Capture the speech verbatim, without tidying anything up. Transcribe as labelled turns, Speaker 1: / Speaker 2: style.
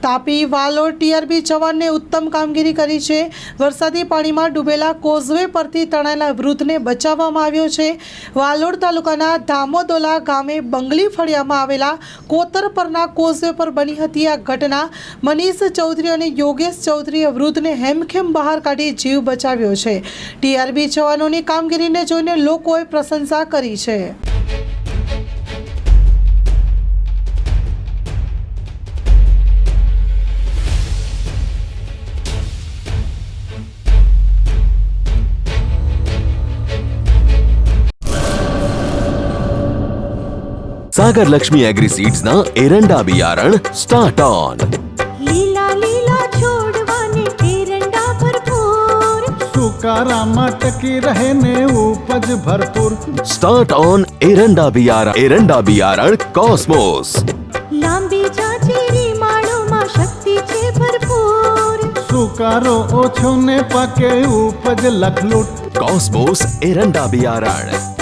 Speaker 1: Tapi Valod TRB જવાનને ઉત્તમ કામગીરી કરી છે। વરસાદી પાણીમાં ડૂબેલા કોઝવે પરથી તણાયેલા વૃદ્ધને બચાવવામાં આવ્યો છે। વાલોડ તાલુકાના ધામોદોલા ગામે બંગલી ફળિયામાં આવેલા કોતર પરના કોઝવે પર બની હતી આ ઘટના। મનીષ ચૌધરી અને યોગેશ ચૌધરીએ વૃદ્ધને હેમખેમ બહાર કાઢી જીવ બચાવ્યો છે। ટીઆરબી જવાનોની કામગીરીને જોઈને લોકોએ પ્રશંસા કરી છે।
Speaker 2: सागर लक्ष्मी एग्री सीड्स ना एरंडा बियारण स्टार्ट ऑन।
Speaker 3: लीला लीला छोड़वाने एरंडा भरपूर,
Speaker 4: सुकारामा टकी रहे ने उपज भरपूर।
Speaker 2: स्टार्ट ऑन एरंडा बियारण एरंडा बियारण कॉस्मोस।
Speaker 3: लांबी जाचेरी माळो मा शक्ति छे भरपूर,
Speaker 4: सुकारो ओछो ने पाके उपज लखलूट।
Speaker 2: कॉस्मोस एरंडा बियारण।